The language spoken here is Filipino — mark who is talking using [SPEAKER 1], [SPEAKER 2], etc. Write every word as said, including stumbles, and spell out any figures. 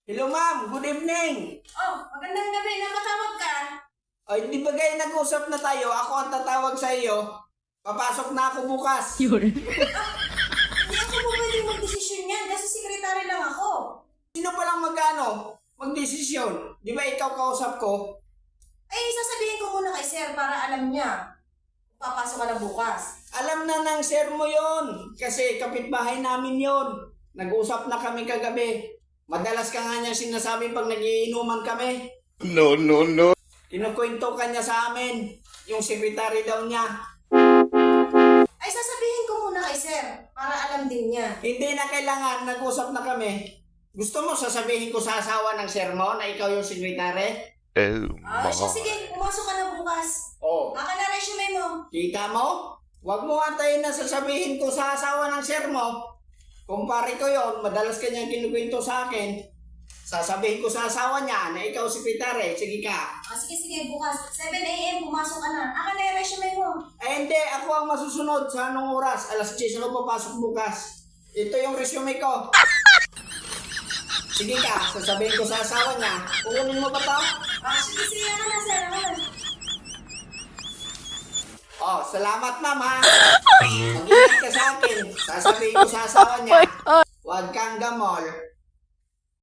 [SPEAKER 1] Hello ma'am, good evening.
[SPEAKER 2] Oh, magandang gabi. Napatawag ka?
[SPEAKER 1] Ay, di ba kayo nag-usap na tayo? Ako ang tatawag sa iyo. Papasok na ako bukas.
[SPEAKER 3] Yun.
[SPEAKER 2] Hindi ako po pwedeng magdesisyon yan kasi sekretary lang ako.
[SPEAKER 1] Sino pa lang magano? Magdesisyon. Di ba ikaw kausap ko?
[SPEAKER 2] Ay, sasabihin ko muna kay sir para alam niya. Papasok ka na bukas.
[SPEAKER 1] Alam na ng sir mo yon. Kasi kapitbahay namin yon. Nag-usap na kami kagabi. Madalas ka nga niya sinasabi pag nagiinuman kami.
[SPEAKER 4] No, no, no.
[SPEAKER 1] Kinukwento ka niya sa amin. Yung sekretary daw niya.
[SPEAKER 2] Ay, sasabihin ko muna kay sir para alam din niya.
[SPEAKER 1] Hindi na kailangan. Nag-usap na kami. Gusto mo sasabihin ko sa asawa ng sir mo na ikaw yung sekretary?
[SPEAKER 4] Oh,
[SPEAKER 2] Ah, siya, sige. Pumasok ka na bukas.
[SPEAKER 1] Oo.
[SPEAKER 2] Baka na resume mo.
[SPEAKER 1] Kita mo? Huwag mo antayin na sasabihin ko sa asawa ng sir mo. Kumpare ko yon, madalas kanyang kinukwento sa akin. Sasabihin ko sa asawa niya na ikaw sekretary. Sige ka.
[SPEAKER 2] Ah, sige, sige. Bukas. seven a m pumasok ka na. Aka na yung resume mo.
[SPEAKER 1] Eh hindi, ako ang masusunod sa anong oras. Alas diyes ako papasok bukas. Ito yung resume ko. Sige ka, sasabihin ko sa asawa niya. Kukunin mo ba to?
[SPEAKER 2] Ah, sige, sige. Aka na, sir. Aka na.
[SPEAKER 1] Oh, salamat ma'am ha. Mag-ingat ka sa akin. Sasabihin ko sa asawa niya. Huwag kang gamol.